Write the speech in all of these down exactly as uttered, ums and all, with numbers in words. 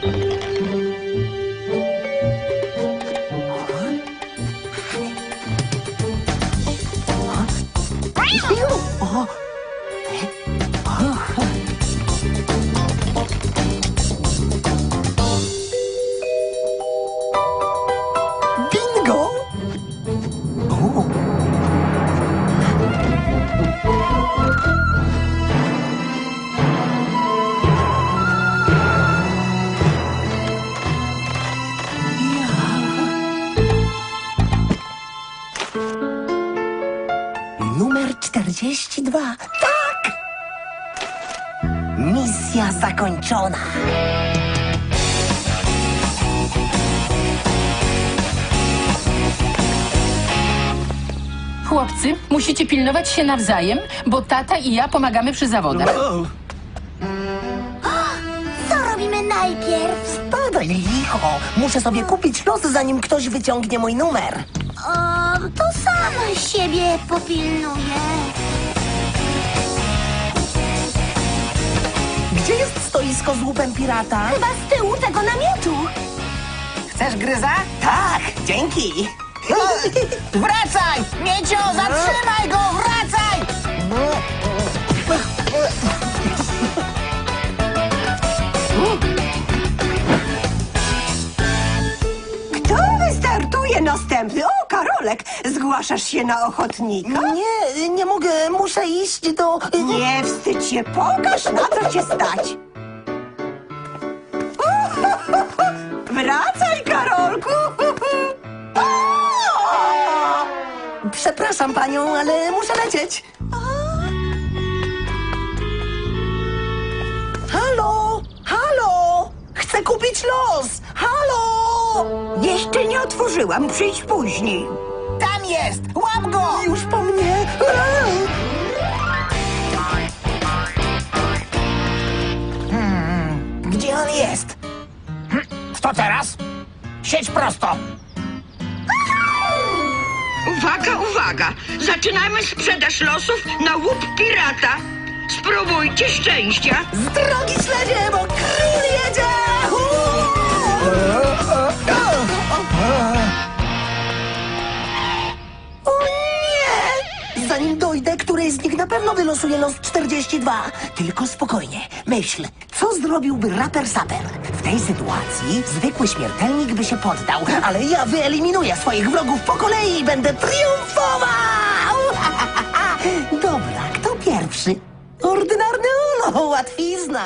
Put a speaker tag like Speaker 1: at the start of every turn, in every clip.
Speaker 1: Numer czterdzieści dwa. Tak! Misja zakończona.
Speaker 2: Chłopcy, musicie pilnować się nawzajem, bo tata i ja pomagamy przy zawodach.
Speaker 3: Co robimy najpierw?
Speaker 1: Spadaj, licho. Muszę sobie kupić los, zanim ktoś wyciągnie mój numer.
Speaker 3: O, to sama siebie popilnuję.
Speaker 1: Gdzie jest stoisko z łupem pirata?
Speaker 3: Chyba z tyłu tego namiotu.
Speaker 4: Chcesz gryza?
Speaker 1: Tak, dzięki.
Speaker 4: Wracaj! Miecio, zatrzymaj go! Wracaj!
Speaker 5: Kto wystartuje następny? O, Karolek, zgłaszasz się na ochotnika?
Speaker 1: Nie, nie mogę, muszę iść do...
Speaker 5: Nie wstydź się, pokaż, na co cię stać. Wracaj, Karolku!
Speaker 1: Przepraszam panią, ale muszę lecieć. Halo, halo! Chcę kupić los! Halo!
Speaker 5: Jeszcze nie otworzyłam, przyjdź później.
Speaker 4: Tam jest! Łap go!
Speaker 1: Już po mnie!
Speaker 4: Gdzie on jest? Hm, Co teraz? Siedź prosto!
Speaker 6: Uwaga, uwaga! Zaczynamy sprzedaż losów na łup pirata. Spróbujcie szczęścia.
Speaker 1: Z drogi śledzie, bo król jedzie! O nie! Zanim dojdę, któryś z nich na pewno wylosuje los czterdzieści dwa. Tylko spokojnie, myśl, co zrobiłby raper saper? W tej sytuacji zwykły śmiertelnik by się poddał, ale ja wyeliminuję swoich wrogów po kolei i będę triumfował! Dobra, kto pierwszy? Ordynarny Ulo, łatwizna!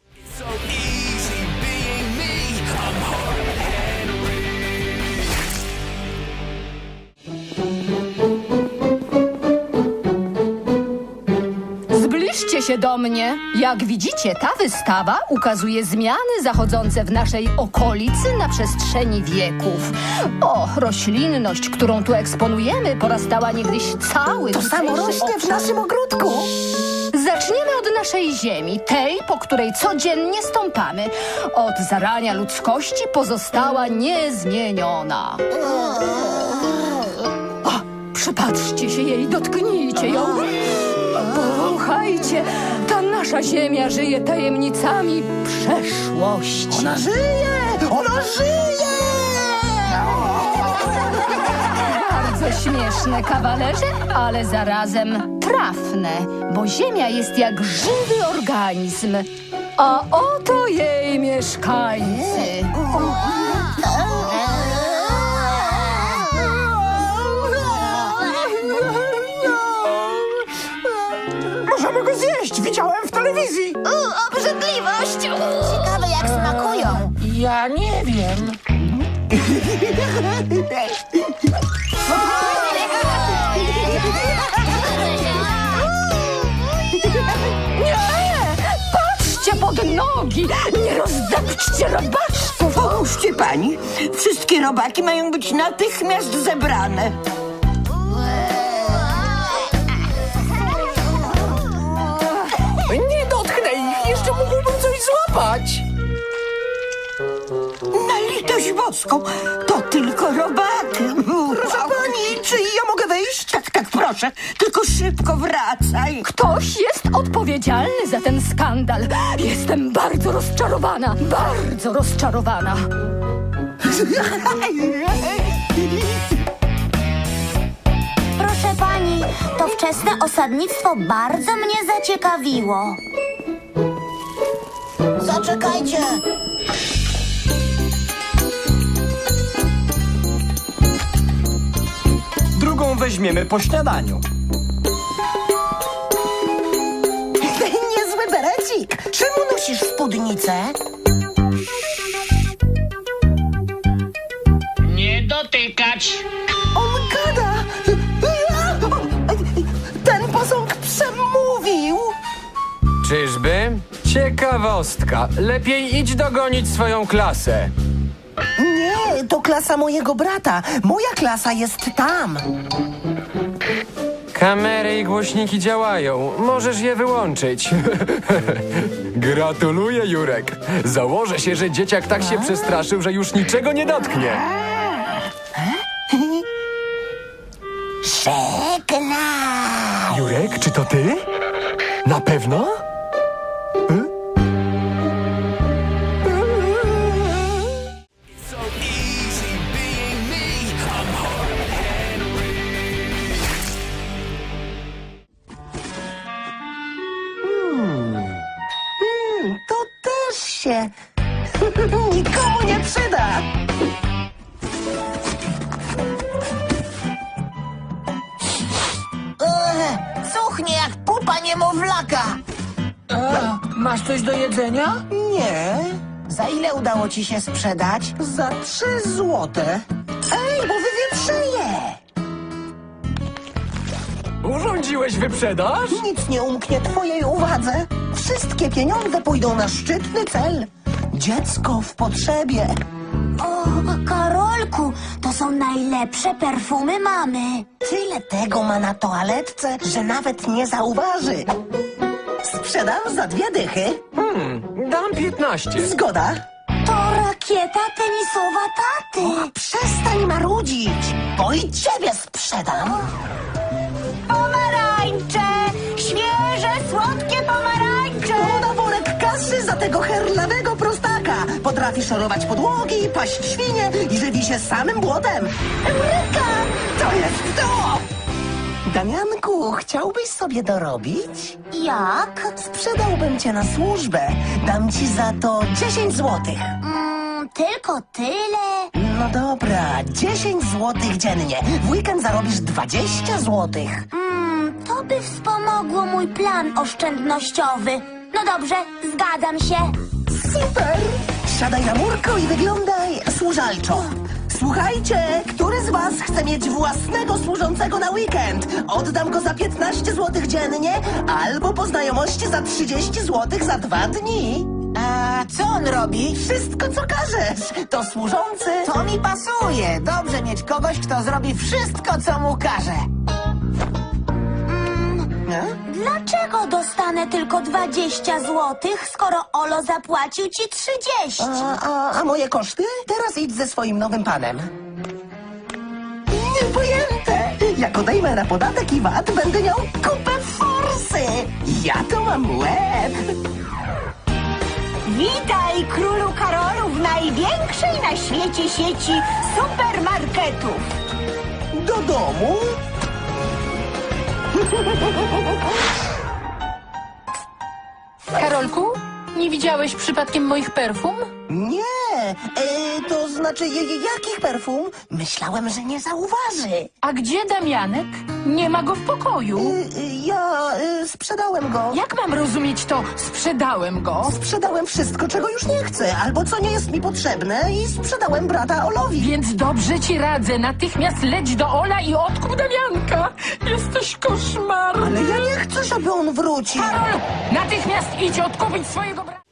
Speaker 2: Zbliżcie się do mnie. Jak widzicie, ta wystawa ukazuje zmiany zachodzące w naszej okolicy na przestrzeni wieków. O, roślinność, którą tu eksponujemy, porastała niegdyś cały
Speaker 1: To samo
Speaker 2: tutejszy
Speaker 1: rośnie w
Speaker 2: obszar.
Speaker 1: naszym ogródku.
Speaker 2: Zaczniemy od naszej ziemi, tej, po której codziennie stąpamy. Od zarania ludzkości pozostała niezmieniona. O, przypatrzcie się jej, dotknijcie ją. Powąchajcie, ta nasza ziemia żyje tajemnicami przeszłości.
Speaker 1: Ona żyje! Ona żyje!
Speaker 2: Bardzo śmieszne, kawalerze, ale zarazem trafne, bo ziemia jest jak żywy organizm. A oto jej mieszkańcy.
Speaker 4: Możemy go zjeść! Widziałem w telewizji!
Speaker 3: U, obrzydliwość! Ciekawe, jak smakują.
Speaker 4: Ja nie wiem.
Speaker 2: Patrzcie pod nogi! Nie rozdepczcie robaczków!
Speaker 5: Pomóżcie pani. Wszystkie robaki mają być natychmiast zebrane.
Speaker 4: Nie dotknę ich! Jeszcze mógłbym coś złapać!
Speaker 5: Na litość boską, to tylko robaki.
Speaker 1: Proszę pani, czy ja mogę wejść?
Speaker 5: Tak, tak, proszę, tylko szybko wracaj.
Speaker 2: Ktoś jest odpowiedzialny za ten skandal. Jestem bardzo rozczarowana, bardzo rozczarowana.
Speaker 3: Proszę pani, to wczesne osadnictwo bardzo mnie zaciekawiło. Zaczekajcie.
Speaker 7: Drugą weźmiemy po śniadaniu.
Speaker 1: Niezły berecik. Czemu nosisz spódnicę?
Speaker 4: Nie dotykać.
Speaker 1: On gada. Ten posąg przemówił.
Speaker 8: Czyżby? Ciekawostka. Lepiej idź dogonić swoją klasę.
Speaker 1: Nie, to klasa mojego brata. Moja klasa jest tam.
Speaker 8: Kamery i głośniki działają. Możesz je wyłączyć. Gratuluję, Jurek. Założę się, że dzieciak tak się przestraszył, że już niczego nie dotknie.
Speaker 1: Żegnaj.
Speaker 8: Jurek, czy to ty? Na pewno?
Speaker 1: To też się nikomu nie przyda.
Speaker 3: Cuchnie jak pupa niemowlaka.
Speaker 4: Masz coś do jedzenia?
Speaker 1: Nie. Za ile udało ci się sprzedać? Za trzy złote. Ej, bo wywietrzeje.
Speaker 8: Urządziłeś wyprzedaż?
Speaker 1: Nic nie umknie twojej uwadze. Wszystkie pieniądze pójdą na szczytny cel. Dziecko w potrzebie.
Speaker 3: O, Karolku, to są najlepsze perfumy mamy.
Speaker 1: Tyle tego ma na toaletce, że nawet nie zauważy. Sprzedam za dwie dychy.
Speaker 8: Dam piętnaście.
Speaker 1: Zgoda.
Speaker 3: To rakieta tenisowa taty.
Speaker 1: Przestań marudzić, bo i ciebie sprzedam.
Speaker 3: Pomarańcze! Świeże, słodkie pomarańcze!
Speaker 1: Na worek kasy za tego herlawego prostaka. Potrafi szorować podłogi, paść świnie i żywi się samym błotem. Eureka! To jest to! Damianku, chciałbyś sobie dorobić?
Speaker 3: Jak?
Speaker 1: Sprzedałbym cię na służbę. Dam ci za to dziesięć złotych.
Speaker 3: Mm, tylko tyle?
Speaker 1: No dobra, dziesięć złotych dziennie. W weekend zarobisz dwadzieścia złotych.
Speaker 3: Mm, to by wspomogło mój plan oszczędnościowy. No dobrze, zgadzam się.
Speaker 1: Super! Siadaj na murko i wyglądaj służalczo. Słuchajcie, który z was chce mieć własnego służącego na weekend? Oddam go za piętnaście złotych dziennie albo po znajomości za trzydzieści złotych za dwa dni.
Speaker 9: A co on robi?
Speaker 1: Wszystko, co każesz. To służący.
Speaker 9: To mi pasuje. Dobrze mieć kogoś, kto zrobi wszystko, co mu każe.
Speaker 1: Nie?
Speaker 3: Dlaczego dostanę tylko dwadzieścia złotych, skoro Olo zapłacił ci trzydzieści?
Speaker 1: A, a, a moje koszty? Teraz idź ze swoim nowym panem. Niepojęte! Jak odejmę na podatek i V A T, będę miał kupę forsy. Ja to mam łeb.
Speaker 5: Witaj, królu Karolu, w największej na świecie sieci supermarketów.
Speaker 1: Do domu?
Speaker 2: Karolku, nie widziałeś przypadkiem moich perfum?
Speaker 1: Nie, e, to znaczy je, je, jakich perfum? Myślałem, że nie zauważy.
Speaker 2: A gdzie Damianek? Nie ma go w pokoju.
Speaker 1: E, e, ja e, sprzedałem go.
Speaker 2: Jak mam rozumieć to? Sprzedałem go.
Speaker 1: Sprzedałem wszystko, czego już nie chcę, albo co nie jest mi potrzebne i sprzedałem brata Olowi.
Speaker 2: Więc dobrze ci radzę. Natychmiast leć do Ola i odkup Damianka. Jesteś koszmarny.
Speaker 1: Ale ja nie chcę, żeby on wrócił.
Speaker 2: Karol, natychmiast idź odkupić swojego brata.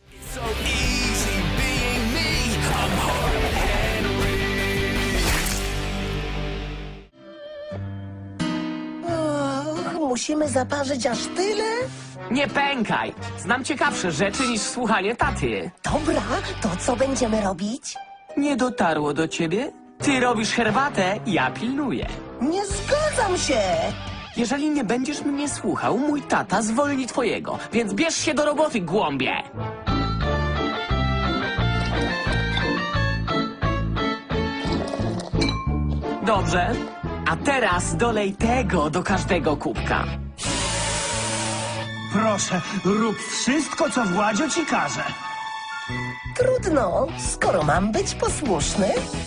Speaker 1: Och, musimy zaparzyć aż tyle?
Speaker 10: Nie pękaj! Znam ciekawsze rzeczy niż słuchanie taty.
Speaker 1: Dobra, to co będziemy robić?
Speaker 10: Nie dotarło do ciebie? Ty robisz herbatę, ja pilnuję.
Speaker 1: Nie zgadzam się.
Speaker 10: Jeżeli nie będziesz mnie słuchał, mój tata zwolni twojego, więc bierz się do roboty, głąbie! Dobrze, a teraz dolej tego do każdego kubka.
Speaker 11: Proszę, rób wszystko, co Władzio ci każe.
Speaker 1: Trudno, skoro mam być posłuszny.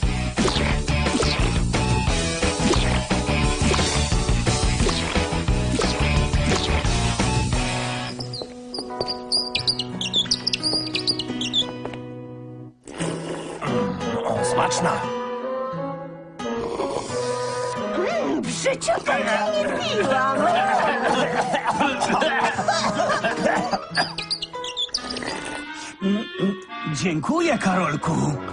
Speaker 4: O, smaczna.
Speaker 5: W życiu tego nie piłam.
Speaker 11: Dziękuję, Karolku.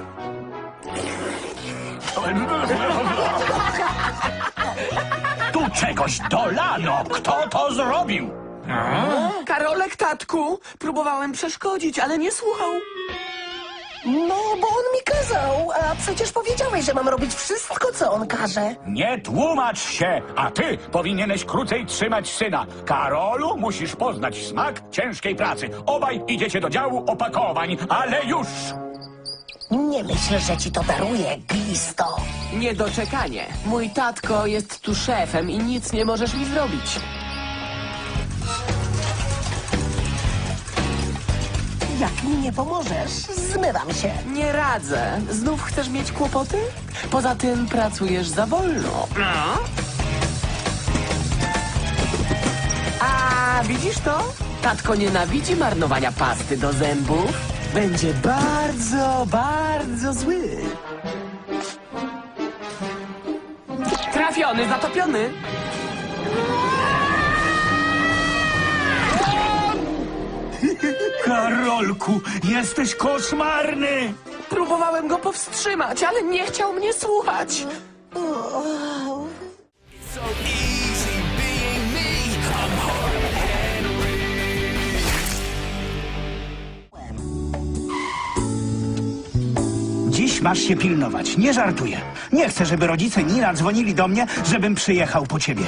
Speaker 4: Tu czegoś dolano. Kto to zrobił?
Speaker 10: Karolek, tatku, próbowałem przeszkodzić, ale nie słuchał.
Speaker 1: No, bo on mi kazał, a przecież powiedziałeś, że mam robić wszystko, co on każe.
Speaker 4: Nie tłumacz się, a ty powinieneś krócej trzymać syna. Karolu, musisz poznać smak ciężkiej pracy. Obaj idziecie do działu opakowań, ale już!
Speaker 1: Nie myślę, że ci to daruję, glisto.
Speaker 10: Niedoczekanie. Mój tatko jest tu szefem i nic nie możesz mi zrobić.
Speaker 1: Jak mi nie pomożesz, zmywam się.
Speaker 10: Nie radzę. Znów chcesz mieć kłopoty? Poza tym pracujesz za wolno. A widzisz to? Tatko nienawidzi marnowania pasty do zębów. Będzie bardzo, bardzo zły. Trafiony, zatopiony.
Speaker 11: Karolku, jesteś koszmarny.
Speaker 10: Próbowałem go powstrzymać, ale nie chciał mnie słuchać.
Speaker 11: Dziś masz się pilnować, nie żartuję. Nie chcę, żeby rodzice Nina dzwonili do mnie, żebym przyjechał po ciebie.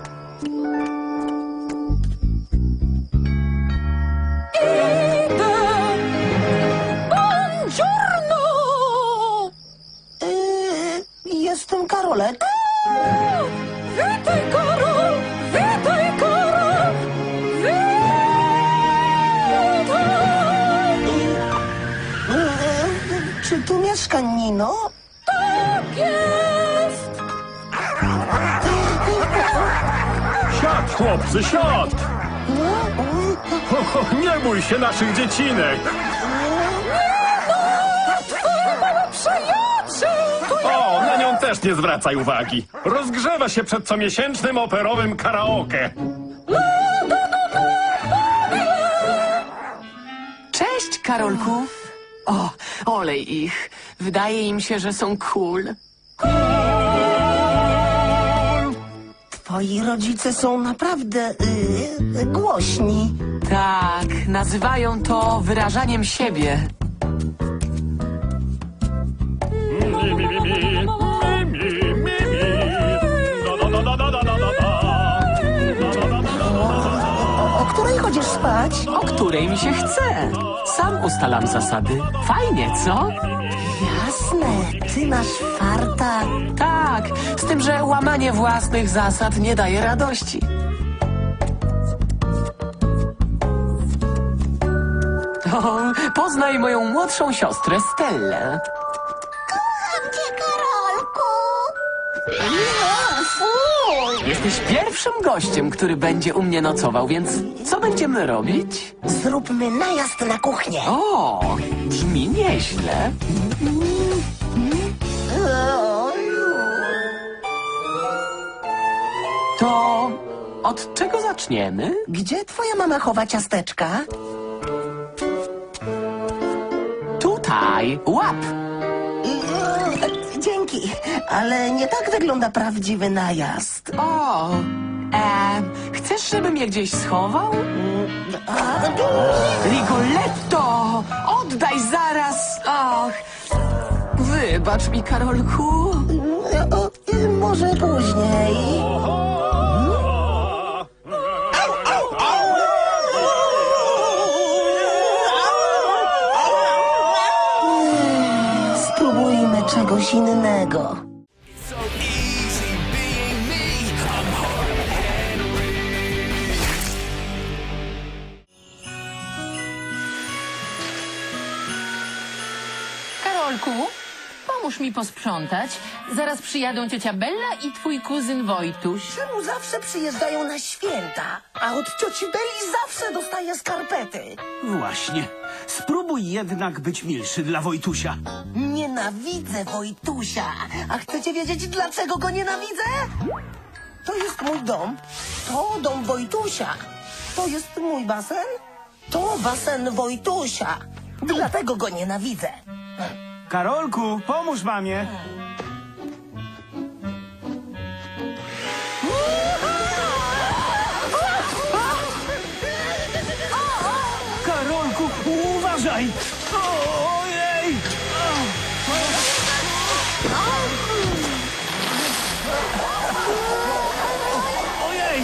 Speaker 1: Yy, jestem Karolek.
Speaker 2: Witaj, Karol! Witaj, Karol!
Speaker 1: Yy, czy tu mieszka Nino?
Speaker 2: Tak jest!
Speaker 8: Siad, chłopcy, siad! Ho, ho, nie bój się naszych dziecinek! O, na nią też nie zwracaj uwagi. Rozgrzewa się przed comiesięcznym operowym karaoke.
Speaker 10: Cześć, Karolku. O, olej ich. Wydaje im się, że są cool.
Speaker 1: Twoi rodzice są naprawdę yy, głośni.
Speaker 10: Tak, nazywają to wyrażaniem siebie.
Speaker 8: Mi, mi, mi, mi, mi, mi, mi, mi. Da, da, da, da, da, da, da, da. Da, da, da, da, da, da.
Speaker 1: O której chodzisz spać?
Speaker 10: O której mi się chce. Sam ustalam zasady. Fajnie, co?
Speaker 1: Jasne, ty masz farta.
Speaker 10: Tak, z tym, że łamanie własnych zasad nie daje radości. O, poznaj moją młodszą siostrę Stellę.
Speaker 3: Kocham cię, Karolku.
Speaker 10: Jesteś pierwszym gościem, który będzie u mnie nocował, więc co będziemy robić?
Speaker 1: Zróbmy najazd na kuchnię.
Speaker 10: O, brzmi nieźle. To od czego zaczniemy?
Speaker 1: Gdzie twoja mama chowa ciasteczka?
Speaker 10: Tutaj, łap!
Speaker 1: Yy, Dzięki, ale nie tak wygląda prawdziwy najazd.
Speaker 10: O, e, chcesz, żebym je gdzieś schował?
Speaker 1: A,
Speaker 10: Rigoletto! Oddaj zaraz! Och, wybacz mi, Karolku.
Speaker 1: o, o, może później. czegoś innego.
Speaker 12: Karolku, pomóż mi posprzątać. Zaraz przyjadą ciocia Bella i twój kuzyn Wojtuś.
Speaker 1: Czemu zawsze przyjeżdżają na święta, a od cioci Beli zawsze dostaję skarpety?
Speaker 11: Właśnie. Spróbuj jednak być milszy dla Wojtusia.
Speaker 1: Nienawidzę Wojtusia. A chcecie wiedzieć, dlaczego go nienawidzę? To jest mój dom. To dom Wojtusia. To jest mój basen. To basen Wojtusia. Dlatego go nienawidzę.
Speaker 11: Karolku, pomóż mamie. Karolku, uważaj! Ojej! Ojej!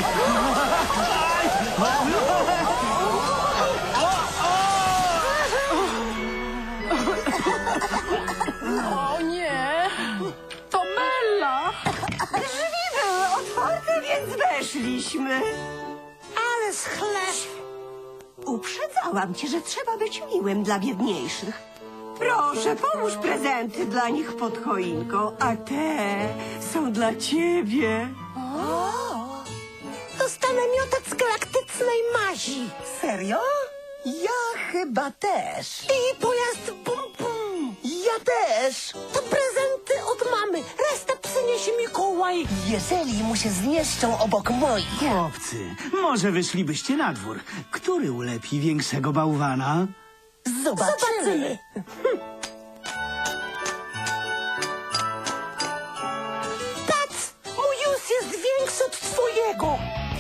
Speaker 12: O nie! To Bella!
Speaker 5: Drzwi były otwarte, więc weszliśmy. Ale schleb. Uprzedzałam cię, że trzeba być miłym dla biedniejszych. Proszę, połóż prezenty dla nich pod choinką, a te są dla ciebie.
Speaker 1: Dostanę miotec galaktycznej mazi. Serio? Ja chyba też. I pojazd bum bum. Ja też. To prezenty od mamy. Resztę przyniesie Mikołaj. Jeżeli mu się zmieszczą obok moich.
Speaker 11: Chłopcy, może wyszlibyście na dwór. Który ulepi większego bałwana?
Speaker 1: Zobaczymy. Zobaczymy. Patrz, mój już jest większy od twojego.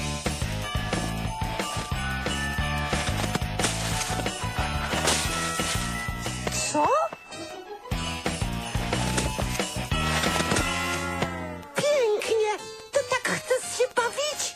Speaker 1: Co? Pięknie. Ty tak chcesz się bawić?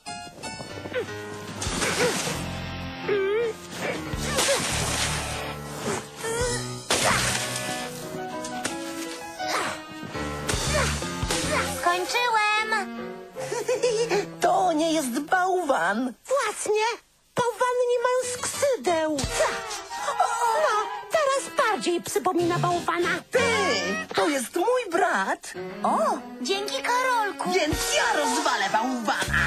Speaker 3: Skończyłem.
Speaker 1: To nie jest bałwan.
Speaker 3: Właśnie. Bałwany nie mają skrzydeł. No, teraz bardziej przypomina bałwana.
Speaker 1: Ty, to jest mój brat.
Speaker 3: O, dzięki Karolku.
Speaker 1: Więc ja rozwalę bałwana.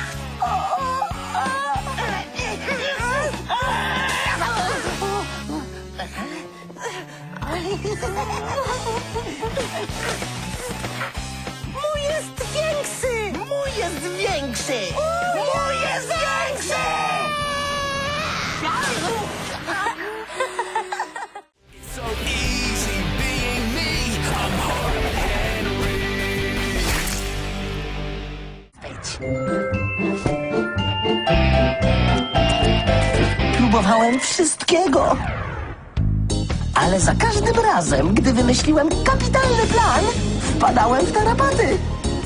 Speaker 3: Mój jest większy.
Speaker 1: Mój jest większy. Mój jest większy. Próbowałem wszystkiego. Ale za każdym razem, gdy wymyśliłem kapitalny plan, wpadałem w tarapaty.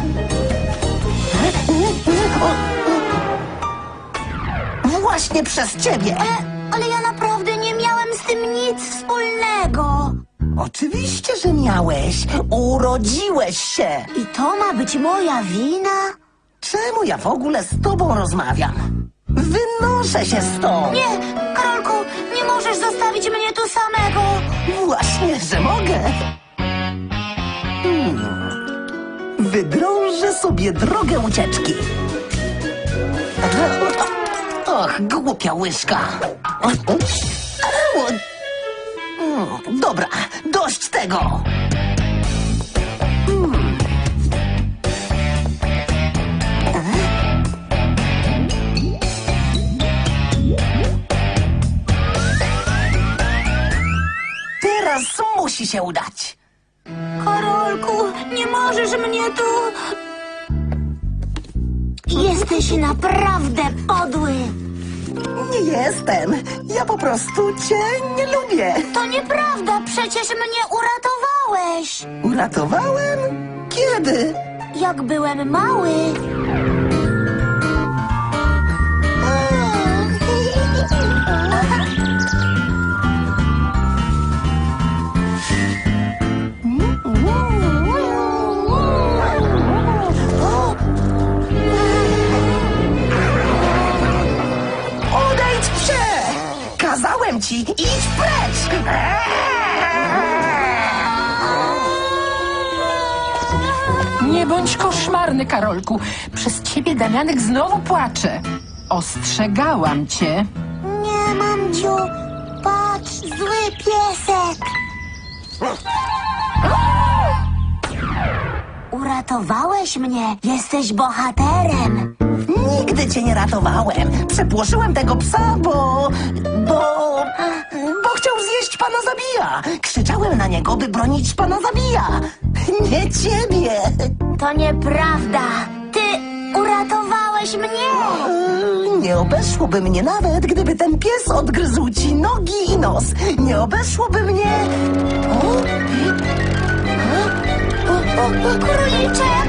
Speaker 1: Właśnie przez ciebie.
Speaker 3: Ale, ale ja naprawdę nie miałem z tym nic wspólnego.
Speaker 1: Oczywiście, że miałeś. Urodziłeś się.
Speaker 3: I to ma być moja wina?
Speaker 1: Czemu ja w ogóle z tobą rozmawiam? Wynoszę się stąd.
Speaker 3: Nie, Karolku, nie możesz zostawić mnie tu samego.
Speaker 1: Właśnie, że mogę. Hmm. Wydrążę sobie drogę ucieczki. Och, głupia łyżka. Hmm, dobra, dość tego. Hmm. Teraz musi się udać.
Speaker 3: Karolku, nie możesz mnie tu... Jesteś naprawdę podły.
Speaker 1: Nie jestem. Ja po prostu cię nie lubię.
Speaker 3: To nieprawda, przecież mnie uratowałeś.
Speaker 1: Uratowałem? Kiedy?
Speaker 3: Jak byłem mały.
Speaker 1: ci. Idź precz!
Speaker 12: Nie bądź koszmarny, Karolku. Przez ciebie Damianek znowu płacze. Ostrzegałam cię.
Speaker 3: Nie, mamciu. Patrz, zły piesek. Uratowałeś mnie. Jesteś bohaterem.
Speaker 1: Nigdy cię nie ratowałem. Przepłoszyłem tego psa, bo... bo... bo chciał zjeść pana Zabija. Krzyczałem na niego, by bronić pana Zabija. Nie ciebie.
Speaker 3: To nieprawda. Ty uratowałeś mnie.
Speaker 1: Nie obeszłoby mnie nawet, gdyby ten pies odgryzł ci nogi i nos. Nie obeszłoby mnie... O?
Speaker 3: Króliczek!